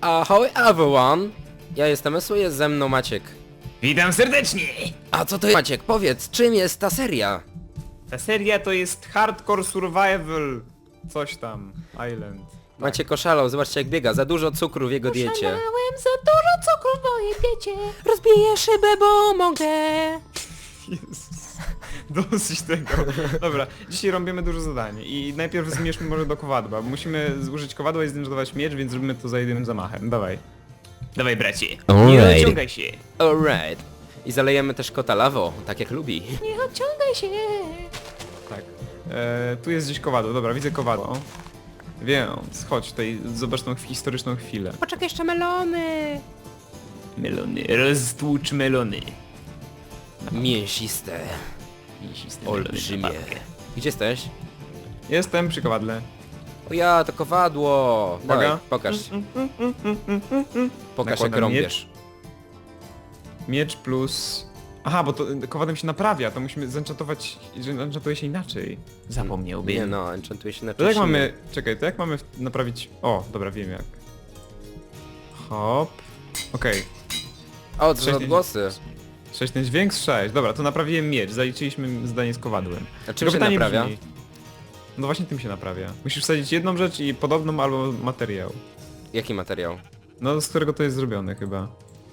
Ahoj everyone! Ja jestem Esu, jest ze mną Maciek. Witam serdecznie! A co to jest? Maciek, powiedz, czym jest ta seria? Ta seria to jest Hardcore Survival... Coś tam... Island. Maciek oszalał, zobaczcie jak biega, za dużo cukru w jego diecie. Oszalałem za dużo cukru w mojej diecie. Rozbiję szybę, bo mogę. Jezus. Dosyć tego. Dobra, dzisiaj robimy dużo zadań i najpierw zmierzmy może do kowadła, bo musimy zużyć kowadła i zdenerwować miecz, więc zrobimy to za jednym zamachem. Dawaj. Dawaj bracie. Nie Alright. odciągaj się. Alright. I zalejemy też kota lawą, tak jak lubi. Nie odciągaj się. Tak. Tu jest gdzieś kowadło, dobra, widzę kowadło. Więc chodź tutaj, zobacz tą historyczną chwilę. Poczekaj, jeszcze melony. Melony, roztłucz melony. Mięsiste. Olbrzymie. Gdzie jesteś? Jestem przy kowadle. O ja, to kowadło. Dawaj, Uwaga. pokaż. Pokaż jak Nakładam rąbiesz. Miecz plus... Aha, bo to kowadłem się naprawia, to musimy zenchantować, że enchantuje się inaczej. Zapomniałbym. Nie no, enchantuje się na To jak czymś mamy... innym. Czekaj, to jak mamy naprawić... O, dobra, wiem jak. Hop. Okej. O, to są Sześć- odgłosy. 6 ten dźwięk, 6. Dobra, to naprawiłem miecz, zaliczyliśmy zadanie z kowadłem. A czym Tylko się pytanie naprawia? brzmi- No właśnie tym się naprawia. Musisz wsadzić jedną rzecz i podobną albo materiał. Jaki materiał? No, z którego to jest zrobione chyba.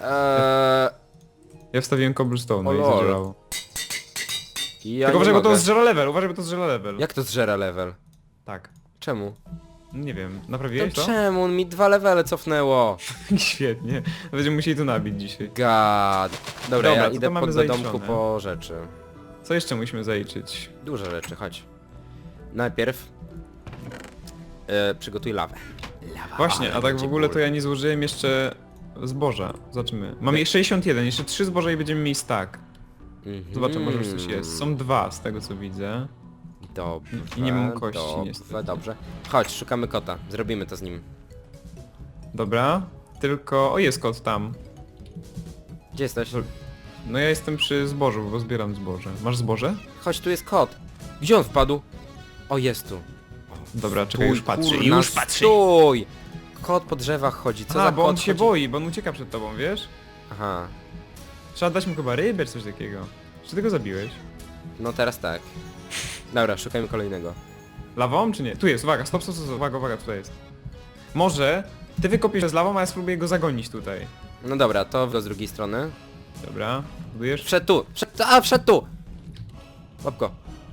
Ja wstawiłem cobblestone O i lol. zadziałało. Ja Tylko nie uważaj, bo to mogę. zżera level, uważaj, bo to zżera level. Jak to zżera level? Tak. Czemu? Nie wiem, To naprawiłeś to? czemu? Mi 2 levele cofnęło. Świetnie. Będziemy musieli to nabić dzisiaj. God. Dobra, Dobra, ja to idę mamy do zaliczone. domku po rzeczy. Co jeszcze musimy zaliczyć? Duże rzeczy, chodź. Najpierw przygotuj lawę. Lawa, Właśnie, ale a tak w będzie ogóle to ból. ja nie złożyłem jeszcze zboża. Zobaczymy. Mamy 61, jeszcze 3 zboża i będziemy mieli stack. Zobaczę, może już coś jest. Są 2 z tego co widzę. Dobrze, I nie mam kości, dobrze, niestety. dobrze. Chodź, szukamy kota. Zrobimy to z nim. Dobra. Tylko... O, jest kot tam. Gdzie jesteś? No ja jestem przy zbożu, bo zbieram zboże. Masz zboże? Chodź, tu jest kot. Gdzie on wpadł? O, jest tu. Dobra, czekaj, już patrzy. kurna, Już patrzy. stój! Kot po drzewach chodzi, co za A, bo kot on się chodzi? boi, bo on ucieka przed tobą, wiesz? Aha, Trzeba dać mu chyba rybę czy coś takiego. Czy ty go zabiłeś? no teraz tak. Dobra, szukajmy kolejnego. Lawą czy nie? Tu jest, uwaga, stop, uwaga, uwaga, tutaj jest. Może ty wykopiesz z lawą, a ja spróbuję go zagonić tutaj. No dobra, to go z drugiej strony. Dobra, budujesz? Wszedł tu! Wszedł tu! Łap go.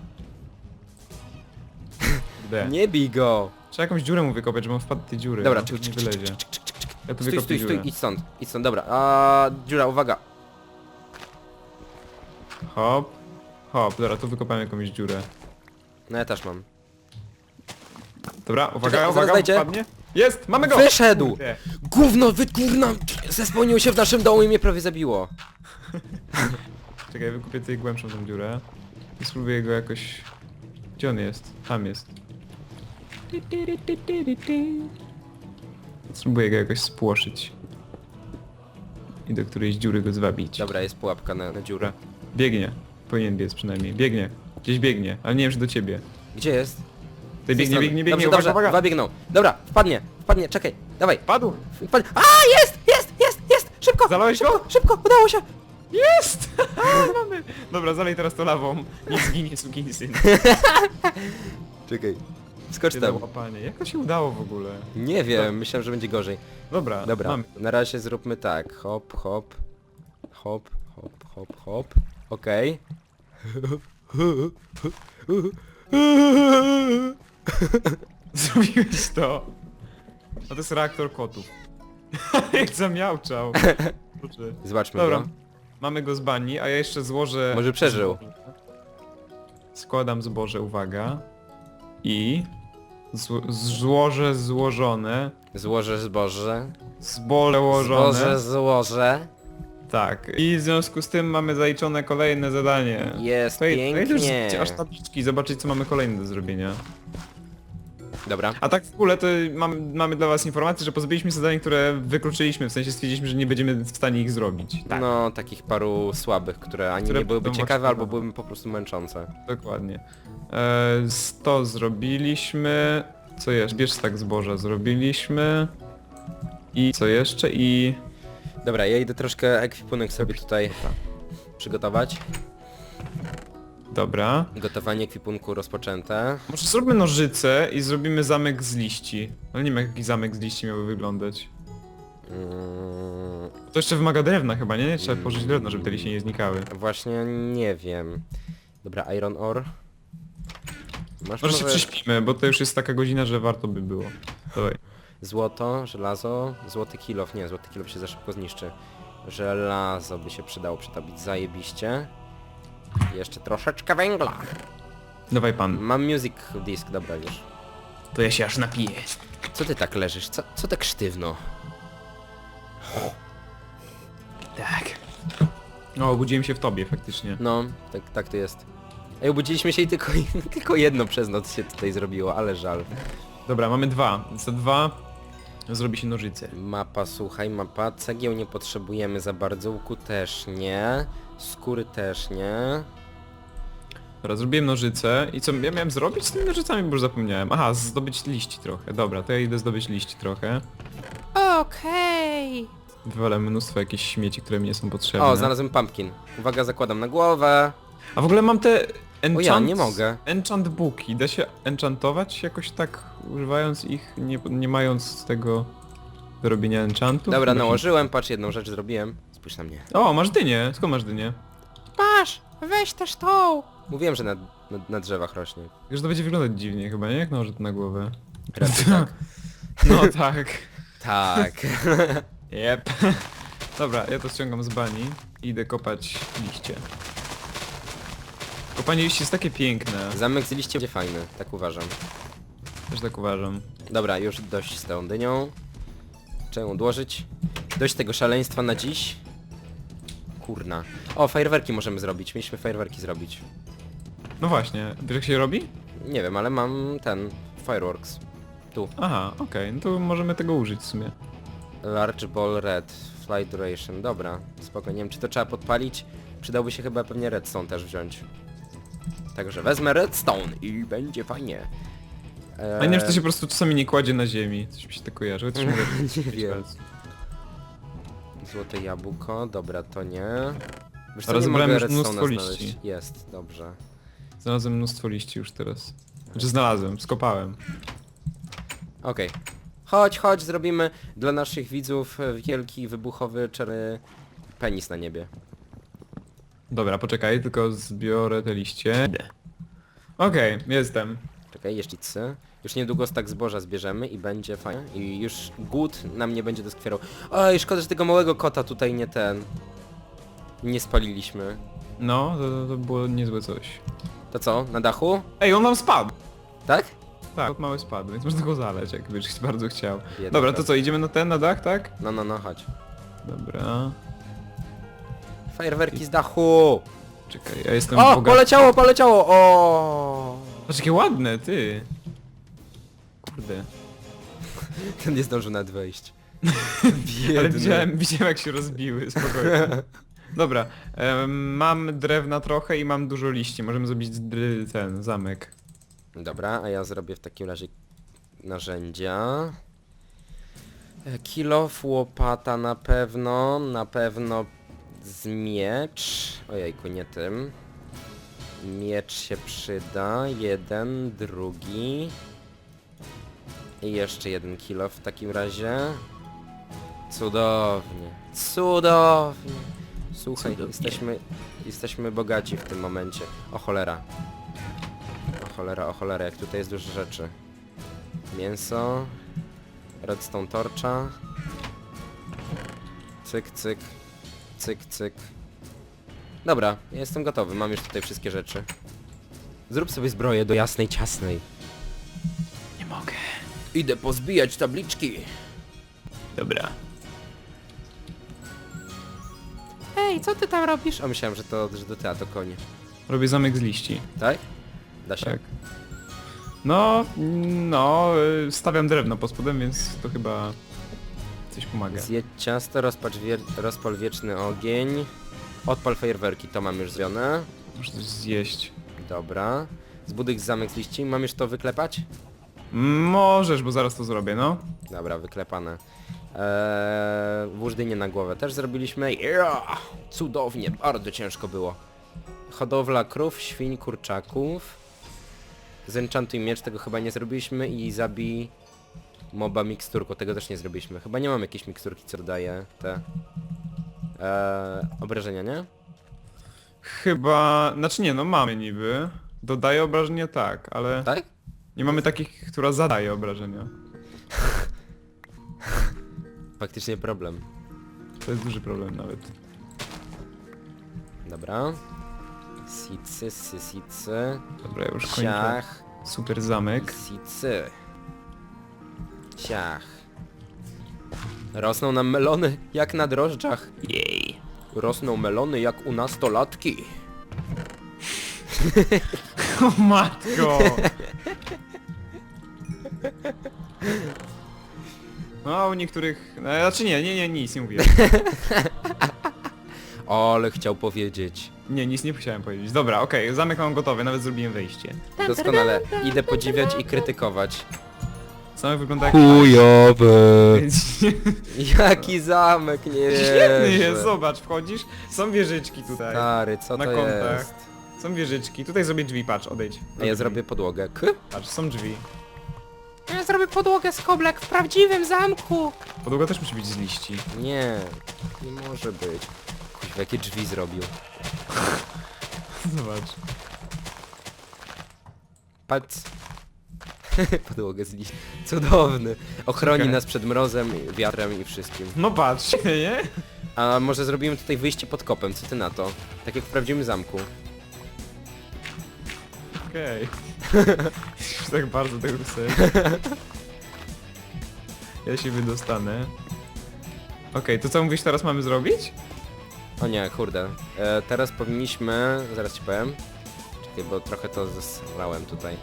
D. Nie bij go! Trzeba jakąś dziurę mu wykopać, żeby on wpadł do tej dziury. Dobra, no, czyk, nie czyk, wylezie. czyk, czyk, czyk, czyk. Ja tu Stój, wykopię stój, dziurę. idź stąd, dobra. A dziura, uwaga. Hop. Hop, dobra, tu wykopałem jakąś dziurę. No ja też mam. Dobra, uwaga, Czekaj, uwaga, zaraz wejdzie. wpadnie. Jest, mamy go! Wyszedł! Kurde. Gówno, kurna! Zespełnił się w naszym domu i mnie prawie zabiło. Czekaj, wykupię tutaj głębszą tą dziurę. I spróbuję go jakoś... Gdzie on jest? Tam jest. Spróbuję go jakoś spłoszyć. I do którejś dziury go zwabić. Dobra, jest pułapka na dziurę. Biegnie. Powinien biec przynajmniej. Biegnie. Gdzieś biegnie, ale nie wiem, czy do ciebie. Gdzie jest? Ty Z tej biegnie, strony. biegnie, biegnie, Dobrze, uwaga, dobrze, uwaga! dwa biegną. Dobra, wpadnie, czekaj, dawaj. Padł! Wpadnie. A, jest! Szybko! Zalałeś go? Szybko, udało się! Jest! Mamy! Dobra, zalej teraz to lawą. Nie zginie, sukinsyn. Czekaj. Skocz Się tam. dało, panie. Jak to się udało w ogóle? Nie wiem, myślałem, że będzie gorzej. Dobra, Dobra, mamy. na razie zróbmy tak. Hop, hop. Hop, hop, hop, hop. Okej. Zrobiłeś to. A to jest reaktor kotów. Jak zamiałczał. Boże. Zobaczmy Dobra. go. Mamy go z bani, a ja jeszcze złożę... Może przeżył. Składam zboże, uwaga. I... Złożę złożone. Złożę zboże. Zboże ułożone. Zboże złożę. Tak. I w związku z tym mamy zaliczone kolejne zadanie. Jest To już pięknie. aż tabliczki, zobaczyć co mamy kolejne do zrobienia. Dobra. A tak w ogóle to mamy dla was informację, że pozbyliśmy się zadań, które wykluczyliśmy, w sensie stwierdziliśmy, że nie będziemy w stanie ich zrobić. Tak, No, takich paru słabych, które ani Które nie byłyby będą ciekawe, właśnie- albo byłyby po prostu męczące. dokładnie. 100 zrobiliśmy. Co jeszcze? Bierz tak zboża zrobiliśmy. I co jeszcze? I... Dobra, ja idę troszkę ekwipunek sobie tutaj przygotować. Dobra. Gotowanie ekwipunku rozpoczęte. Może zróbmy nożyce i zrobimy zamek z liści. Ale nie wiem jaki zamek z liści miałby wyglądać. To jeszcze wymaga drewna chyba, nie? Trzeba położyć drewno, żeby te liście nie znikały. Właśnie nie wiem. Dobra, iron ore. Masz Może się prześpimy, bo to już jest taka godzina, że warto by było. Dawaj. Złoto, żelazo, złoty kilof. Nie, złoty kilof się za szybko zniszczy. Żelazo by się przydało przetopić, zajebiście. Jeszcze troszeczkę węgla. Dawaj pan. Mam music disk, dobra już. To ja się aż napiję. Co ty tak leżysz? Co tak sztywno? Tak. O, obudziłem się w tobie faktycznie. No, tak to jest. Ej, obudziliśmy się i tylko jedno przez noc się tutaj zrobiło, ale żal. Dobra, mamy dwa. Za dwa zrobi się nożyce. Mapa, słuchaj, mapa. Cegieł nie potrzebujemy za bardzo, łuku też nie. Skóry też nie. Dobra, zrobiłem nożyce i co ja miałem zrobić z tymi nożycami, bo już zapomniałem. Aha, zdobyć liści trochę. Dobra, to ja idę zdobyć liści trochę. Okej. Wywalę mnóstwo jakichś śmieci, które mi nie są potrzebne. O, znalazłem pumpkin. Uwaga, zakładam na głowę. A w ogóle mam te enchant... O ja, nie mogę. Enchant booki. Da się enchantować jakoś tak, używając ich, nie mając tego do robienia enchantów? Dobra, Chyba się- nałożyłem, patrz, jedną rzecz zrobiłem. Spójrz na mnie. O, masz dynię. Skąd masz dynię? Masz, weź też tą. Mówiłem, że na drzewach rośnie. Już to będzie wyglądać dziwnie chyba, nie? Jak nałożę to na głowę. Raczej tak. No tak. Tak. Jep. Dobra, ja to ściągam z bani i idę kopać liście. Kopanie liści jest takie piękne. Zamek z liście będzie fajny, tak uważam. Też tak uważam. Dobra, już dość z tą dynią. Trzeba ją odłożyć. Dość tego szaleństwa na dziś. Kurna. O, fajerwerki możemy zrobić. Mieliśmy fajerwerki zrobić. No właśnie, wiesz jak się robi? Nie wiem, ale mam ten... Fireworks. Tu. Aha, okej, no to możemy tego użyć w sumie. Large ball red. Flight duration. Dobra, spoko. Nie wiem, czy to trzeba podpalić. Przydałby się chyba pewnie redstone też wziąć. Także wezmę redstone i będzie fajnie. A nie wiem, czy to się po prostu czasami nie kładzie na ziemi. Coś mi się tak kojarzy, chociaż mogę Nie mieć wiem. palec. Złote jabłko, dobra, to nie. Wiesz co, Ale nie zebrałem mogę już mnóstwo redstone'a znaleźć. liści. Jest, dobrze. Znalazłem mnóstwo liści już teraz. Znaczy znalazłem, skopałem. Okej. Chodź, zrobimy dla naszych widzów wielki, wybuchowy, czerny penis na niebie. Dobra, poczekaj, tylko zbiorę te liście. Okej, jestem. Czekaj, jeździcy. Już niedługo stak zboża zbierzemy i będzie fajnie. I już głód nam nie będzie doskwierał. Oj, szkoda, że tego małego kota tutaj nie spaliliśmy. No, to było niezłe coś. To co, na dachu? Ej, on nam spadł! Tak? Tak, od mały spadł, więc można go zaleć, jakbyś bardzo chciał. Biedny Dobra, to kot. co, idziemy na dach, tak? No, chodź. Dobra. Fajerwerki z dachu! Czekaj, ja jestem O, bogaty. poleciało! O! Patrz, jakie ładne, ty! Kurde. Ten nie zdążył nawet wejść. Ale widziałem jak się rozbiły, spokojnie. Dobra, mam drewna trochę i mam dużo liści, możemy zrobić ten zamek. Dobra, a ja zrobię w takim razie narzędzia. Kilof, łopata na pewno z miecz. Ojejku, nie tym. Miecz się przyda, jeden, drugi. I jeszcze jeden kilof w takim razie. Cudownie, cudownie. Słuchaj, jesteśmy bogaci w tym momencie. O cholera. O cholera, jak tutaj jest dużo rzeczy. Mięso. Redstone torcza. Cyk, cyk. Cyk, cyk. Dobra, ja jestem gotowy, mam już tutaj wszystkie rzeczy. Zrób sobie zbroję do jasnej, ciasnej. Nie mogę. Idę pozbijać tabliczki. Dobra. Ej, co ty tam robisz? A myślałem, że do teatru konie. Robię zamek z liści. Tak? Da się. Tak. No, stawiam drewno pod spodem, więc to chyba coś pomaga. Zjedz ciasto, rozpal wieczny ogień. Odpal fajerwerki, to mam już zrobione. Muszę coś zjeść. Dobra. Zbuduj zamek z liści. Mam już to wyklepać? Możesz, bo zaraz to zrobię, no. Dobra, wyklepane. Włóż dynię na głowę też zrobiliśmy. Yeah! Cudownie, bardzo ciężko było. Hodowla krów, świń, kurczaków. Zenchantuj miecz, tego chyba nie zrobiliśmy i zabij moba miksturką, tego też nie zrobiliśmy. Chyba nie mam jakiejś miksturki, co daje te obrażenia, nie? Chyba... Znaczy nie, no mamy niby. Dodaje obrażenia tak, ale... Tak? Nie mamy takich, która zadaje obrażenia. Faktycznie problem. To jest duży problem nawet. Dobra. Sicy, sysicy. Dobra, ja już kończę. Ciach. Super zamek. Sicy. Ciach. Rosną nam melony jak na drożdżach. Jej. Rosną melony jak u nastolatki. O matko! No, a u niektórych... No, znaczy nie, nic nie mówię. Ale chciał powiedzieć. Nie, nic nie chciałem powiedzieć. Dobra, okej, zamek mam gotowy, nawet zrobiłem wejście. Doskonale. Idę podziwiać i krytykować. Zamek wygląda jak... Chujowy. Więc- Jaki zamek, nie Świetny jest, wierzę. zobacz, wchodzisz, są wieżyczki tutaj. Stary, co Na to kątach. jest? Są wieżyczki, tutaj zrobię drzwi, patrz, odejdź. A ja zrobię podłogę. Patrz, są drzwi. Ja zrobię podłogę z koblek w prawdziwym zamku. Podłoga też musi być z liści. Nie, nie może być. Kuźwa, jakie drzwi zrobił. Zobacz. Patrz. Podłogę z liści. Cudowny. Ochroni Czekaj. nas przed mrozem, wiatrem i wszystkim. No patrz, nie? A może zrobimy tutaj wyjście pod kopem, co ty na to? Tak jak w prawdziwym zamku. Okej. Już tak bardzo tego chcę. Ja się wydostanę. Okej, to co mówisz teraz mamy zrobić? O nie, kurde. Teraz zaraz ci powiem. Czekaj, bo trochę to zesrałem tutaj.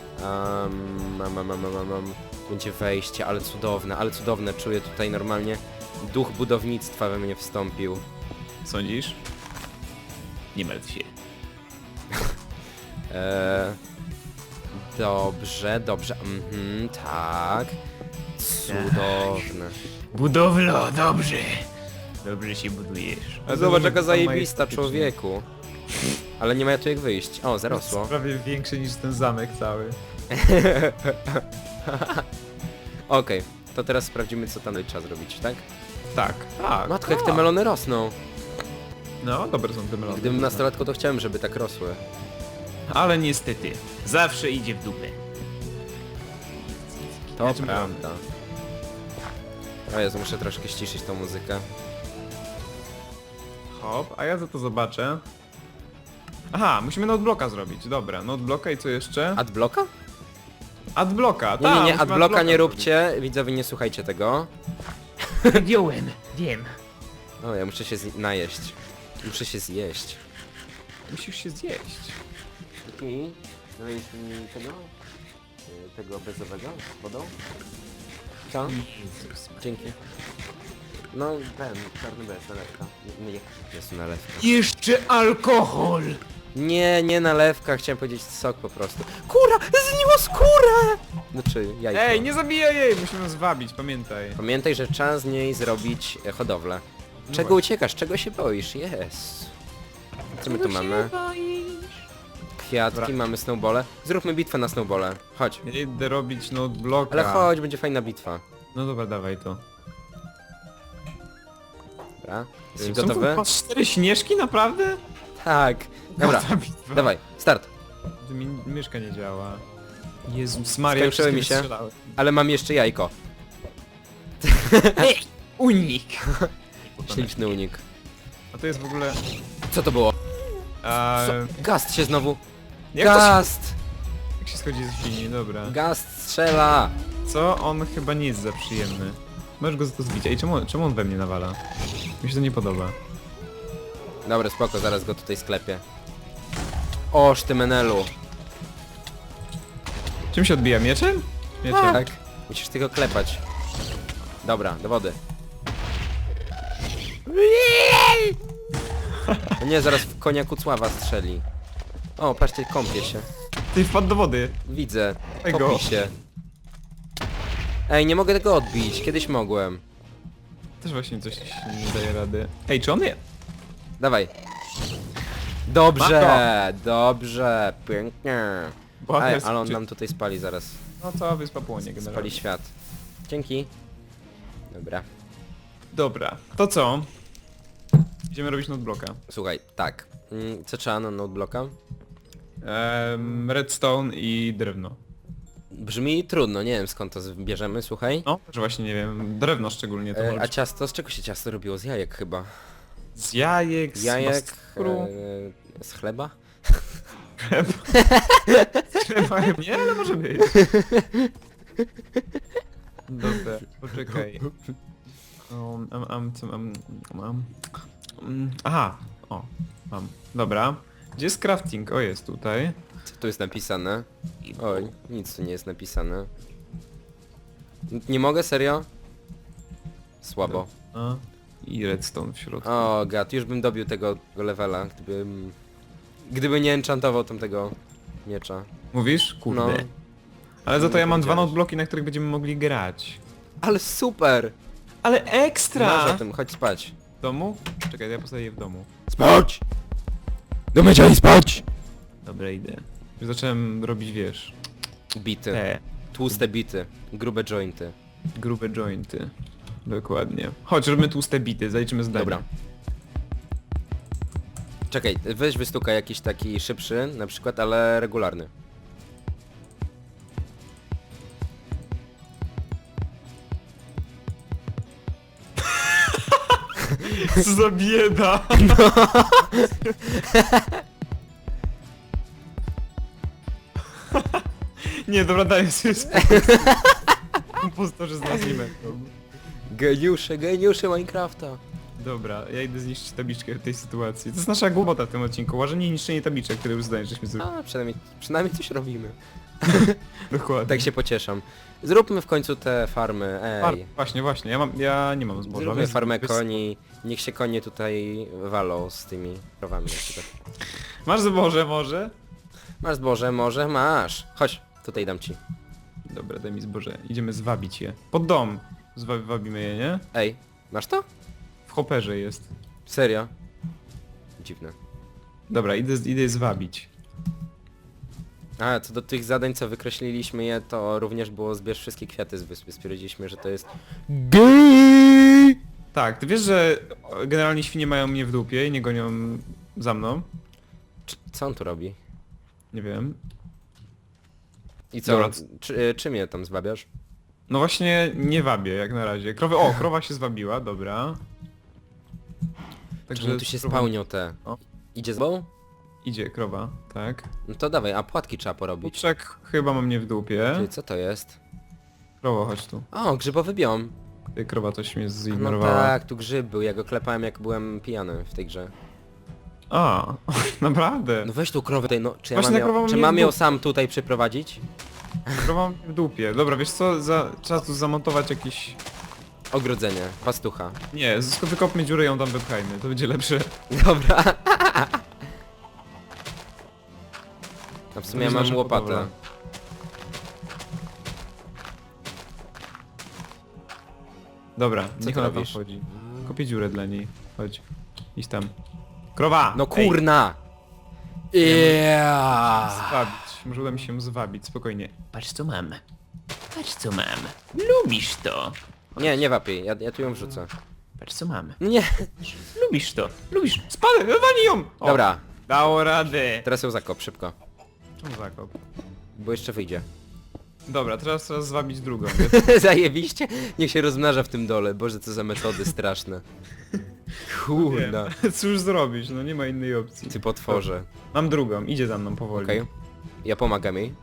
Będzie wejście, ale cudowne. Czuję tutaj normalnie duch budownictwa we mnie wstąpił. Sądzisz? Nie martw się. Dobrze. Tak. Cudowne. Budowlo, dobrze. Dobrze się budujesz. Zobacz, jaka zajebista, człowieku. Ale nie ma tu jak wyjść. O, zarosło. Prawie większy niż ten zamek cały. Okej, to teraz sprawdzimy, co tam trzeba zrobić, tak? Tak, tak. Matko, jak te tak. melony rosną. No, dobre są te melony. Gdybym nastolatko, to chciałem, żeby tak rosły. Ale niestety, zawsze idzie w dupę. To Ja czym prawda. O Jezu, muszę troszkę ściszyć tą muzykę. Hop, a ja za to zobaczę. Aha, musimy notebloka zrobić, dobra, notebloka i co jeszcze? Adblocka? Adblocka, Nie, tak. nie, musimy adblocka nie zrobić. róbcie, widzowie, nie słuchajcie tego. Wziąłem, wiem. O, ja muszę się najeść. Muszę się zjeść. Musisz się zjeść. Okej, dajesz mi tego bezowego z wodą? Co? Dzięki. No, ten, czarny bez, nalewka. Nie, jest nalewka. Jeszcze alkohol! Nie nalewka, chciałem powiedzieć sok po prostu. Kura! Zniło skórę! Znaczy, jajko. Ej, nie zabijaj jej! Musimy ją zwabić, pamiętaj. Pamiętaj, że trzeba z niej zrobić hodowlę. No Czego właśnie. uciekasz? Czego się boisz? Jest. Co my tu mamy? Kwiatki, Dobra. mamy snowbole. Zróbmy bitwę na snowbole. Chodź. Ja idę robić notebloka. Ale chodź, będzie fajna bitwa. No dobra, dawaj to. Dobra. Jesteś Są gotowy? tu 4 śnieżki, naprawdę? Tak. Dobra, Ta bitwa. dawaj, start. To mi myszka nie działa. Jezus Maria, Skończyły wszystkie mi się. wystrzelały. Ale mam jeszcze jajko. Unik! Śliczny unik. A to jest w ogóle... Co to było? A, Gast się znowu. jak, to się, Gast! jak się schodzi ze świni, dobra. Gast strzela! Co? On chyba nie jest za przyjemny. Możesz go za to zbić. Ej, czemu on we mnie nawala? Mi się to nie podoba. Dobra, spoko, zaraz go tutaj sklepię. Oż ty menelu. Czym się odbija? Mieczem? Mieczem. Tak? Musisz tylko klepać. Dobra, do wody. No nie, zaraz w konia Kucława strzeli. O, patrzcie, kąpie się. Ty wpadł do wody. Widzę. Ej, go. Topi się. Ej, nie mogę tego odbić. Kiedyś mogłem. Też właśnie coś nie daje rady. Ej, czy on je... Dawaj. Dobrze, dobrze, pięknie. Bo Ej, jest- ale on nam tutaj spali zaraz. No cała wyspa płonie Spali generalnie. świat. Dzięki. Dobra. Dobra, to co? Idziemy robić notebloka. Słuchaj, tak. Co trzeba na noteblocka? Redstone i drewno. Brzmi trudno, nie wiem skąd to bierzemy, słuchaj. No, że właśnie nie wiem, drewno szczególnie to może A być ciasto, z czego się ciasto robiło? Z jajek chyba. z jajek, z Jajek, cukru, z chleba? Chyba nie, ale może być. Dobra, poczekaj. Co mam? Aha, o, mam. Dobra. Gdzie jest crafting? O, jest tutaj. Co tu jest napisane? Oj, nic tu nie jest napisane. Nie mogę, serio? Słabo. A, i redstone w środku. O gad, już bym dobił tego levela, gdyby nie enchantował tamtego miecza. Mówisz? Kurde. No. Ale za to ja mam dwa powiedziałeś. notebloki, na których będziemy mogli grać. Ale super! Ale Masz ekstra! o tym, chodź spać. W domu? Czekaj, ja postawię je w domu. Spać! Do mycia i spać! Dobra, idę. Już zacząłem robić, wiesz, Bity. te Tłuste bity. Grube jointy. grube jointy. Dokładnie. Chodź, robimy tłuste bity, zaliczymy zdanie. Dobra. Czekaj, weź wystukaj jakiś taki szybszy, na przykład, ale regularny. Co za bieda! Nie, dobra, daj sobie spokój. Impostorzy z nas nie będą. Geniusze Minecrafta. Dobra, ja idę zniszczyć tabliczkę w tej sytuacji. To jest nasza głupota w tym odcinku. Łażenie i niszczenie tabliczek, które już zdanie, żeśmy zrobili. A, przynajmniej coś robimy. Dokładnie. Tak się pocieszam. Zróbmy w końcu te farmy, ej. Właśnie, ja nie mam zboża. Zróbmy więc- farmę koni. Niech się konie tutaj walą z tymi krowami na przykład. Masz zboże może? Masz zboże, może masz. Chodź, tutaj dam ci. Dobra, daj mi zboże. Idziemy zwabić je. Pod dom. Wabimy je, nie? Ej, masz to? W hopperze jest. Serio? Dziwne. Dobra, idę je zwabić. A, co do tych zadań, co wykreśliliśmy je, to również było zbierz wszystkie kwiaty z wyspy. Stwierdziliśmy, że to jest... GEJ! Tak, ty wiesz, że generalnie świnie mają mnie w dupie i nie gonią za mną? Co on tu robi? Nie wiem. I co? Dobra. Czym je tam zwabiasz? No właśnie nie wabię jak na razie. Krowa się zwabiła, dobra. Czemu tu się krowa- spełnią te? O. Idzie z bą? Idzie krowa, tak. No to dawaj, a płatki trzeba porobić. Kurczak chyba ma mnie w dupie. Czyli co to jest? Krowo, chodź tu. O, grzybowy biom. Ty, krowa coś mnie No zignorowała. tak, tu grzyb był, ja go klepałem jak byłem pijany w tej grze. A, naprawdę. No weź tą krowę tutaj, no czy ja Właśnie ta krowa czy mnie mam w ją dupie. sam tutaj przyprowadzić? Krowa mnie w dupie. Dobra, wiesz co, trzeba tu zamontować jakiś... Ogrodzenie, pastucha. Nie, wykopmy dziurę i ją tam wypchajmy, to będzie lepsze. Dobra. No w sumie ja To mam nasza łopatę. hodowla. Dobra, Co niech ty ona tam robisz? wchodzi. Kopię dziurę dla niej. Chodź. Idź tam. Krowa! No Ej, kurna! Yeah. zwabić. Może uda mi się ją zwabić, spokojnie. Patrz co mam. Patrz co mam. Lubisz to. Nie wapiej, ja tu ją wrzucę. Patrz co mam. No nie, Lubisz to. Lubisz. Spadaj, wywali ją! O, dobra, dało radę. teraz ją zakop szybko, Czemu zakop? bo jeszcze wyjdzie. Dobra, teraz zwabić drugą. Zajebiście? Niech się rozmnaża w tym dole, boże co za metody straszne. Kurna, Cóż zrobić, no nie ma innej opcji. ty potworze. Mam drugą, idzie za mną powoli. Okej, ja pomagam jej.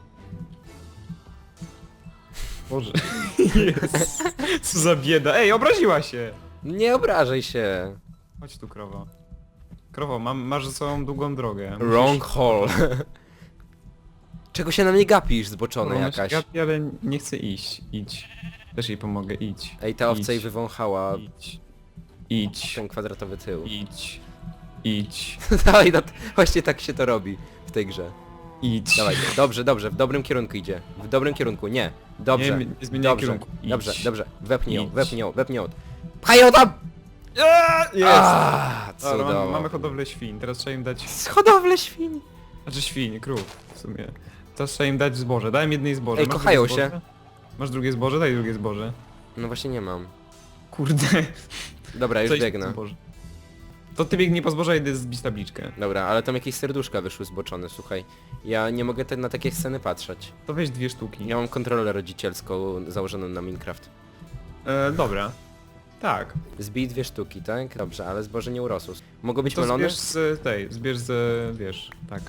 Boże. Jest. Co za bieda. Ej, obraziła się! Nie obrażaj się. Chodź tu, krowo. Krowo, masz za sobą długą drogę. Wrong hole. Czego się na mnie gapisz, zboczona Ona jakaś? się gapi, ale nie chcę iść. Idź. Też jej pomogę, idź. Ej, ta owca Idź. jej wywąchała Idź. Idź. ten kwadratowy tył. Idź. Idź. Dawaj, właśnie tak się to robi w tej grze. Idź. Dawaj, dobrze, w dobrym kierunku idzie. W dobrym kierunku, nie. Dobrze, Nie zmieniaj dobrze, kierunku. Idź. dobrze, wepnij ją, Idź. wepnij ją. Pchaj ją tam! Jest! Aaa, Dobra, cudownie. mamy hodowlę świń, teraz trzeba im dać... Hodowlę świń. Znaczy świń, krów w sumie. Teraz trzeba im dać zboże. Dałem jednej zboże. Ej, Masz kochają drugie zboże? Masz drugie zboże? Daj drugie zboże. No właśnie nie mam. Kurde. Dobra, już Coś biegnę. zboże. To ty biegnij po zboża i idę zbić tabliczkę. Dobra, ale tam jakieś serduszka wyszły zboczone, słuchaj. Ja nie mogę na takie sceny patrzeć. To weź 2 sztuki. Ja mam kontrolę rodzicielską założoną na Minecraft. Dobra. Tak. Zbij 2 sztuki, tak? Dobrze, ale zboże nie urosło. Mogą być To melony? zbierz z tej, zbierz z, wiesz, tak.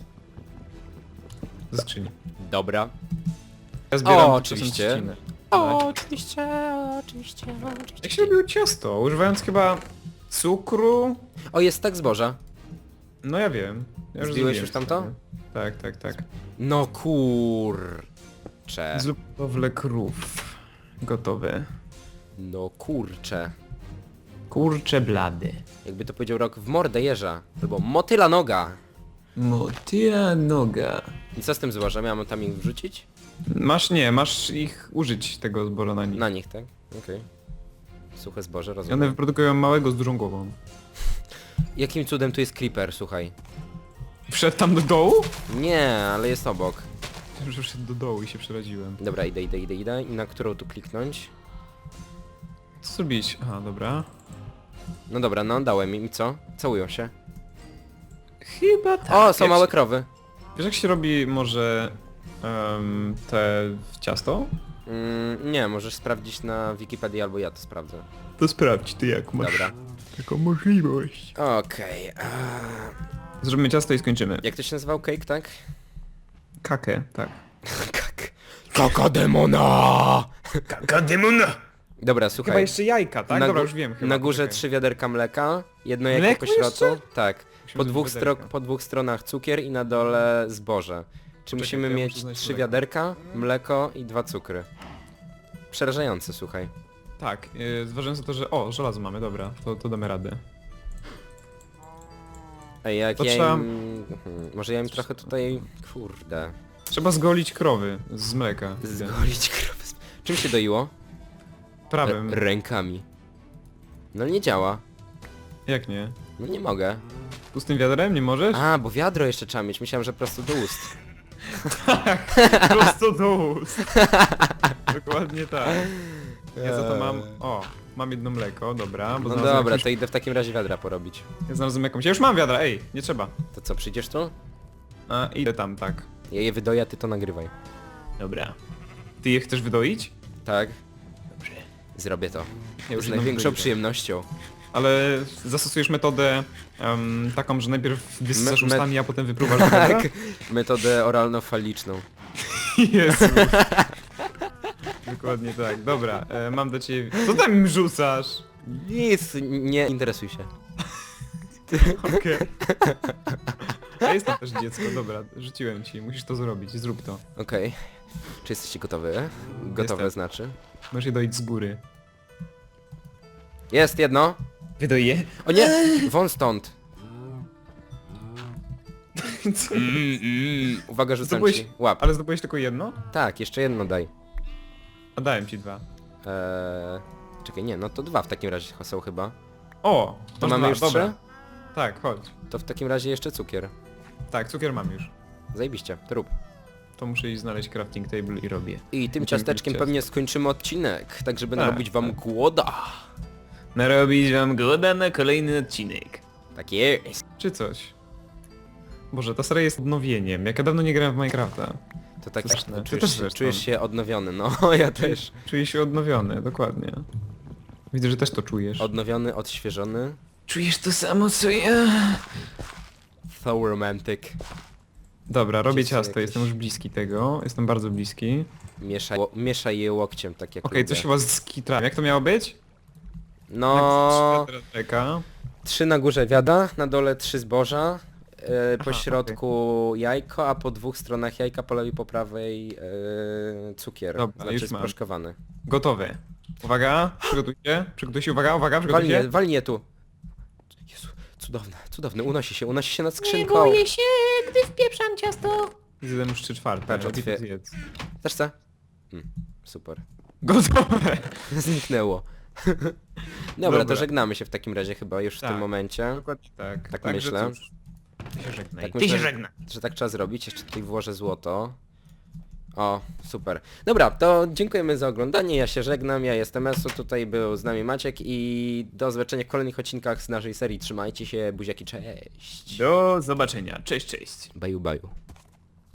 Ze skrzyni. Dobra. Ja zbieram O, czasem oczywiście. trzcinę. O, oczywiście, oczywiście, Jak oczywiście. się robiło ciasto? Używając chyba cukru? O, jest tak zboża. No ja wiem. Ja Zbiłeś zrobiłem już tamto? sobie. Tak, tak, tak. No kurcze. Zrób hodowlę krów. Gotowe. No kurcze. Kurcze blady. Jakby to powiedział Rok, w mordę jeża. To było motyla noga. Motyla noga. I co z tym zbożem? Ja mam tam ich wrzucić? Masz ich użyć tego zboża na nich. Na nich, tak? Okej. Suche zboże, I rozumiem. one wyprodukują małego z dużą głową. Jakim cudem tu jest creeper, słuchaj? Wszedł tam do dołu? Nie, ale jest obok. Myślałem, że wszedł do dołu i się przeraziłem. Dobra, idę. I na którą tu kliknąć? Co zrobić? Aha, dobra. No dobra, no dałem im i co? Całują się. Chyba tak. O, są małe krowy. Wiesz jak się robi może te ciasto? Nie, możesz sprawdzić na Wikipedii albo ja to sprawdzę. To sprawdź ty jak Dobra. taką możliwość. Okej. Zrobimy ciasto i skończymy. Jak to się nazywał? Cake, tak? Kakę, tak. Kak. Kaka demona! Kaka demona! Dobra, Chyba słuchaj. jeszcze jajka, tak? Na Dobra, gó- już wiem chyba. Na górze Poczekaj. 3 wiaderka mleka, jedno jajko Mleko po środku. jeszcze? Tak. Musimy zrobić wiaderka. Po dwóch stronach cukier i na dole zboże. Czy musimy to ja mieć muszę znaleźć 3 mleko. wiaderka, mleko i 2 cukry. Przerażające, słuchaj. Tak, zważając na to, że... O, żelazo mamy, dobra, to damy radę. Ej, jak To ja trzeba- im... Może ja im trochę tutaj... Kurde. Trzeba zgolić krowy z mleka. Zgolić krowy. Czym się doiło? Prawym. Rękami. No nie działa. Jak nie? No nie mogę. Pustym wiadrem nie możesz? A, bo wiadro jeszcze trzeba mieć. Myślałem, że prosto do ust. Prosto do ust. Dokładnie tak. Ja za to mam... O, mam jedno mleko, dobra. Bo No znalazłem dobra, jakąś- to idę w takim razie wiadra porobić. Ja znalazłem jakąś... Ja już mam wiadra, ej, nie trzeba. To co, przyjdziesz tu? A, idę tam, tak. Ja je wydoję, a ty to nagrywaj. Dobra. Ty je chcesz wydoić? Tak? Dobrze. Zrobię to. Ja już Z jedną największą wydoiłem. przyjemnością. Ale zastosujesz metodę taką, że najpierw wysysasz Me- ustami, a potem wypruwasz do wiadra? Tak. Metodę oralno-faliczną. Jezu. Dokładnie tak, dobra, mam do ciebie... Co tam im rzucasz? Nic, nie interesuj się. Okej. Ja jestem też dziecko, dobra, rzuciłem ci, musisz to zrobić, zrób to. Okej. Czy jesteście gotowy? Gotowe Jestem. znaczy. Możesz je dojść z góry. Jest jedno. Wydoję? O nie! Won stąd. Co? Uwaga, rzucam Zdobyłeś- ci. Łap. Ale zdobyłeś tylko jedno? Tak, jeszcze jedno daj. A dałem ci 2. Czekaj, nie, no to 2 w takim razie są chyba. O! To masz mamy dwa, już dobra. 3? Tak, chodź. To w takim razie jeszcze cukier. Tak, cukier mam już. Zajebiście, to rób. To muszę iść znaleźć crafting table i robię. I tym Będziemy ciasteczkiem robić pewnie skończymy odcinek, tak żeby Tak, narobić wam tak. głoda. Narobić wam goda na kolejny odcinek. Tak jest. Czy coś. Boże, ta seria jest odnowieniem. Jak ja dawno nie grałem w Minecrafta. To tak, Straszne. Ty czujesz, też się, zresztą. czujesz się odnowiony, no ja też. Czuję się odnowiony, dokładnie. Widzę, że też to czujesz. Odnowiony, odświeżony. Czujesz to samo co ja? So romantic. Dobra, robię Wszyscy ciasto, jakieś- jestem już bliski tego. Jestem bardzo bliski. Mieszaj je łokciem, tak jak Okej, lubię. coś chyba z kitrami. Jak to miało być? No, Czeka. 3 na górze wiada, na dole 3 zboża, po Aha, środku jajko, a po 2 stronach jajka, po lewej, po prawej cukier, Dobra, znaczy już mam. sproszkowany. Gotowe. Uwaga, przygotuj się, uwaga, przygotuj się. Walnie je tu. Jezu, cudowne, unosi się nad Nie skrzynką. boję się, gdy wpieprzam ciasto. Zjadłem już 3/4. Patrz, lepiej to otwier- zjedz. Też co? Super. Gotowe. Zniknęło. Dobra, to Dobra. żegnamy się w takim razie chyba już w Tak. tym momencie. Dokładnie tak. Tak Także myślę. cóż, ty się żegnaj. Tak Ty myślę, się żegnaj. że tak trzeba zrobić. Jeszcze tutaj włożę złoto. O, super. Dobra, to dziękujemy za oglądanie, ja się żegnam, ja jestem Esu, tutaj był z nami Maciek i do zobaczenia w kolejnych odcinkach z naszej serii. Trzymajcie się, buziaki, cześć. Do zobaczenia. Cześć, cześć. Baju, baju.